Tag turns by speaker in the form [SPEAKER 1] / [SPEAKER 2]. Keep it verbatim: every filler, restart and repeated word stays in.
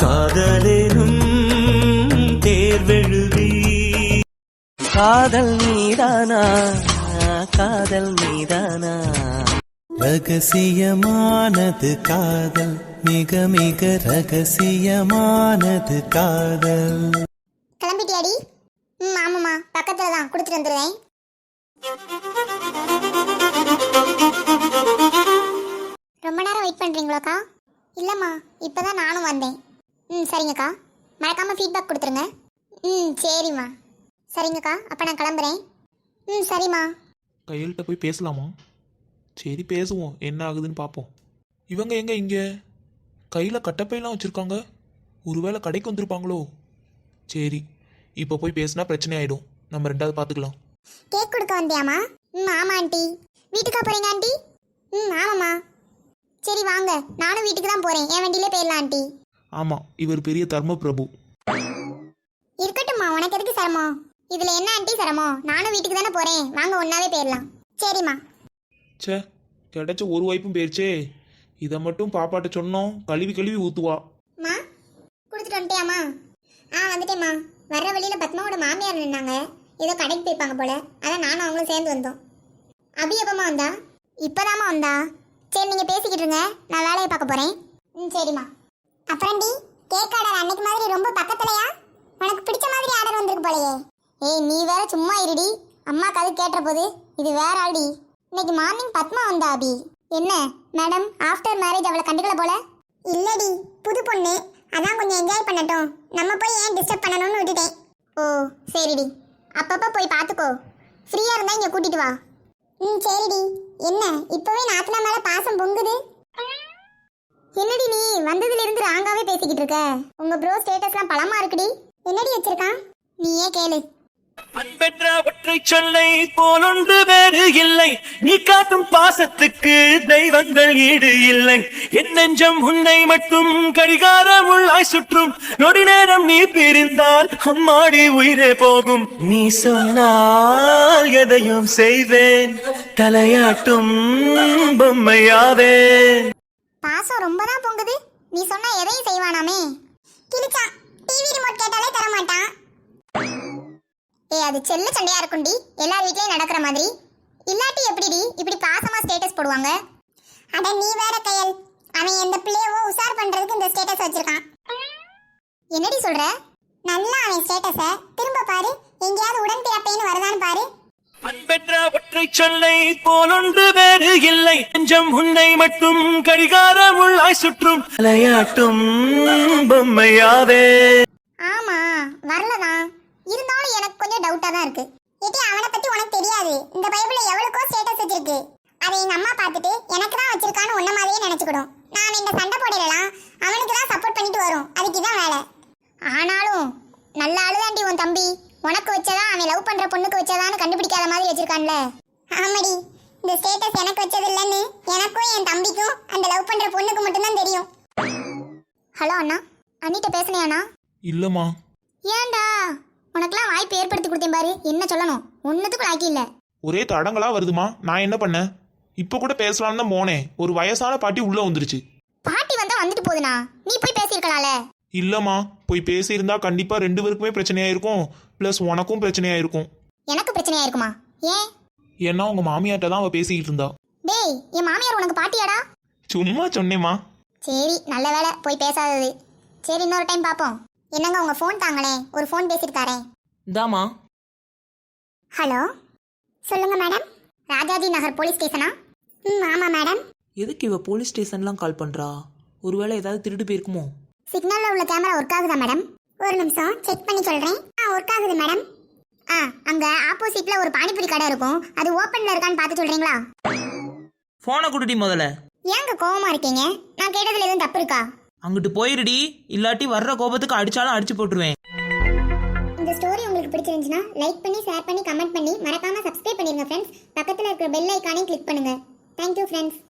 [SPEAKER 1] காதலேனும் தேர்வெழுதி காதல் மீதானா காதல் மீதானா ரகசியமானது காதல் மிக மிக ரகசியமானது காதல்.
[SPEAKER 2] கிளம்பிட்டியாடி? ம் ஆமாம்மா, பக்கத்துல தான், கொடுத்துட்டு வந்துடுவேன். ரொம்ப நேரம் வெயிட் பண்றீங்களாக்கா? இல்லம்மா, இப்பதான் நானும் வந்தேன். ம் சரிங்கக்கா, மறக்காம ஃபீட்பேக் கொடுத்துருங்க. ம் சரிம்மா. சரிங்கக்கா, அப்போ நான் கிளம்புறேன். ம் சரிம்மா.
[SPEAKER 3] கையல்கிட்ட போய் பேசலாமா? சரி பேசுவோம், என்ன ஆகுதுன்னு பார்ப்போம். இவங்க எங்க இங்க கையில் கட்டப்பையெல்லாம் வச்சுருக்காங்க? ஒருவேளை கடைக்கு வந்திருப்பாங்களோ? சரி, இப்போ போய் பேசினா பிரச்சனை ஆகிடும். நம்ம ரெண்டாவது பார்த்துக்கலாம்.
[SPEAKER 2] கேக் கொடுக்க வந்தியாமா? ம் ஆமாம் ஆண்டி. வீட்டுக்கா போகிறீங்க ஆண்டி? ம் ஆமாம்மா. சரி வாங்க, நானும் வீட்டுக்கு தான் போகிறேன். என் வண்டியிலே போயிடலாம் ஆண்டி.
[SPEAKER 3] ஆமாம், இவர் பெரிய தர்ம பிரபு.
[SPEAKER 2] இருக்கட்டும்மா, உனக்கு எதுக்கு சிரமம்? இதில் என்ன ஆண்டி சிரமம்? நானும் வீட்டுக்கு தானே போகிறேன், வாங்க ஒன்றாவே போயிடலாம். சரிம்மா.
[SPEAKER 3] சே, கிடைச்ச ஒரு வாய்ப்பும் போயிடுச்சே. இதை மட்டும் பாப்பாட்ட சொன்னோம், கழுவி கழுவி ஊற்றுவா.
[SPEAKER 2] மா கொடுத்துட்டு வந்துட்டியாம்மா? ஆ வந்துட்டேம்மா. வர்ற வழியில் பத்மாவோட மாமியார் நின்னாங்க, ஏதோ கடைக்கு போய்ப்பாங்க போல, அதான் நானும் அவங்களும் சேர்ந்து வந்தோம். அபி எப்பமா வந்தா? இப்போதாம்மா வந்தா. சரி நீங்கள் பேசிக்கிட்டு இருங்க, நான் வேலையை பார்க்க போகிறேன். ம் சரிம்மா. அப்புறம்டி, கேக் ஆர்டர் அன்னைக்கு மாதிரி ரொம்ப பக்கத்துலையா? உனக்கு பிடிச்ச மாதிரி ஆர்டர் வந்திருக்கு போலையே. ஏய் நீ வேற சும்மா இருடி, அம்மாக்கு அது கேட்டுற போது. இது வேற ஆடி. இன்னைக்கு மார்னிங் பத்மா வந்தா அபி. என்ன மேடம், ஆஃப்டர் மேரேஜ் அவளை கண்டுக்கல போல? இல்லடி, புது பொண்ணு, அதான் கொஞ்சம் என்ஜாய் பண்ணட்டும், நம்ம போய் ஏன் டிஸ்டர்ப் பண்ணணும்னு விட்டுட்டேன். ஓ சரிடி, அப்பப்போ போய் பார்த்துக்கோ. ஃப்ரீயாக இருந்தால் இங்கே கூட்டிட்டு வா. ம் சரிடி. என்ன இப்போவே நாத்தனா மேலே பாசம் பொங்குது? என்னடி நீ வந்ததுலேருந்து ராங்காவே பேசிக்கிட்டு இருக்க? உங்கள் ப்ரோ ஸ்டேட்டஸ்லாம் பழமா இருக்குடி. என்னடி வச்சிருக்கான் நீயே கேளு.
[SPEAKER 1] அன்பென்ற ஒற்றை சொல்லை போலொன்று வேறு இல்லை, நீ காட்டும் பாசத்துக்கு தெய்வங்கள் ஈடு இல்லை. என் நெஞ்சம் உன்னை மட்டும் கடிகாரம் உள்ளாய் சுற்றும், நொடி நேரம் நீ பிரிந்தால் அம்மாடி உயிரே போகும். நீ சொன்னால் எதையும் செய்வேன், தலையாட்டும் பொம்மையாவே.
[SPEAKER 2] பாசம் ரொம்ப தான் பொங்குது. நீ சொன்னா எதையும் செய்வானாமே. கிழிச்சா டிவி ரிமோட் கேட்டாலே தர மாட்டான். ஏ அது செல்ல சண்டையா இருக்கும்டி, எல்லார் வீட்லயும் நடக்கிற மாதிரி. இல்லாட்டி எப்படிடி இப்படி பாசமா ஸ்டேட்டஸ் போடுவாங்க? அட நீ வேற கையல், அவன் எந்த பிள்ளையவோ உசார் பண்றதுக்கு இந்த ஸ்டேட்டஸ் வச்சிருக்கான். என்னடி சொல்ற? நல்லா அவன் ஸ்டேட்டஸ திரும்ப பாரு, எங்கேயாவது உடன் பிறப்பேன்னு வருதான்னு பாரு.
[SPEAKER 1] அன்பென்ற ஒற்றை சொல்லை போலொன்று வேறு இல்லை, நெஞ்சம் உன்னை மட்டும் கடிகாரம் உள்ளாய் சுற்றும், தலையாட்டும் பொம்மையாவே.
[SPEAKER 2] ஆமா வரலதான், இருந்தாலும் எனக்கு கொஞ்சம் டவுட்டா தான் இருக்கு. ஏட்டி அவனை பத்தி உனக்கு தெரியாது, இந்த பைபிள்ல எவ்வளவுக்கோ ஸ்டேட்டஸ் வச்சிருக்கு. அதை எங்க அம்மா பார்த்துட்டு எனக்கு தான் வச்சிருக்கான்னு உன்ன மாதிரியே நினைச்சுக்கிடும். நான் இந்த சண்டை போடலாம், அவனுக்கு தான் சப்போர்ட் பண்ணிட்டு வரும், அதுக்கு தான் வேலை. ஆனாலும் நல்ல ஆளுதாண்டி உன் தம்பி. உனக்கு வச்சதா அவன் லவ் பண்ற பொண்ணுக்கு வச்சதான்னு கண்டுபிடிக்காத மாதிரி வச்சிருக்கான்ல. ஆமாடி, இந்த ஸ்டேட்டஸ் எனக்கு வச்சது இல்லைன்னு எனக்கும் என் தம்பிக்கும் அந்த லவ் பண்ற பொண்ணுக்கு மட்டும்தான் தெரியும். ஹலோ அண்ணா, அண்ணிட்ட பேசுனியாண்ணா?
[SPEAKER 3] இல்லைம்மா.
[SPEAKER 2] ஏண்டா, உனக்கெல்லாம் வாய்ப்பு ஏற்படுத்தி கொடுத்தேன் பாரு, என்ன சொல்லணும், ஒன்றுத்துக்கும் லாக்கி இல்லை.
[SPEAKER 3] ஒரே தடங்களா வருதுமா, நான் என்ன பண்ணேன்? இப்போ கூட பேசலான்னு தான் போனேன், ஒரு வயசான பாட்டி உள்ள வந்துருச்சு.
[SPEAKER 2] பாட்டி வந்தா வந்துட்டு போகுதுண்ணா, நீ போய் பேசியிருக்கலாம்ல.
[SPEAKER 3] இல்லம்மா, போய் பேசியிருந்தா கண்டிப்பா ரெண்டு பேருக்குமே பிரச்சனையா இருக்கும், பிளஸ் உனக்கும் பிரச்சனையா இருக்கும்.
[SPEAKER 2] எனக்கு பிரச்சனையா இருக்குமா? ஏன்?
[SPEAKER 3] ஏன்னா உங்க மாமியார்ட்ட தான் அவ பேசிக்கிட்டு இருந்தா.
[SPEAKER 2] டேய், என் மாமியார் உனக்கு பாட்டியாடா?
[SPEAKER 3] சும்மா சொன்னேம்மா.
[SPEAKER 2] சரி நல்ல வேலை போய் பேசாதது. சரி இன்னொரு டைம் பார்ப்போம். என்னங்க உங்க ஃபோன் தாங்களே, ஒரு ஃபோன் பேசிட்டு தரேன்.
[SPEAKER 4] தாமா.
[SPEAKER 2] ஹலோ சொல்லுங்க மேடம். ராஜாஜி நகர் போலீஸ் ஸ்டேஷனா? ம் ஆமாம் மேடம்.
[SPEAKER 4] எதுக்கு இவ போலீஸ் ஸ்டேஷன்லாம் கால் பண்றா? ஒருவேளை ஏதாவது திருட்டு போயிருக்குமோ?
[SPEAKER 2] சிக்னல்ல உள்ள கேமரா ஒர்க் ஆகுதா மேடம்? ஒரு நிமிஷம் செக் பண்ணி சொல்றேன். ஆ ஒர்க் ஆகுது மேடம். ஆ அங்க ஆப்போசிட்ல ஒரு பானிபூரி கடை இருக்கும், அது ஓபன்ல இருக்கான்னு பார்த்து சொல்றீங்களா?
[SPEAKER 4] போனை குடுடி முதல்ல.
[SPEAKER 2] ஏங்க கோவமா இருக்கீங்க? நான் கேட்டதுல எதுவும் தப்பு இருக்கா?
[SPEAKER 4] அங்கிட்டு போயிருடி, இல்லாட்டி வர்ற கோபத்துக்கு அடிச்சாலும் அடிச்சு போட்டுருவேன்.
[SPEAKER 2] இந்த ஸ்டோரி உங்களுக்கு பிடிச்சிருந்துச்சுன்னா லைக் பண்ணி ஷேர் பண்ணி கமெண்ட் பண்ணி மறக்காம சப்ஸ்கிரைப் பண்ணிருங்க ஃப்ரெண்ட்ஸ். பக்கத்துல இருக்கிற பெல் ஐகானையும் கிளிக் பண்ணுங்க. Thank you friends.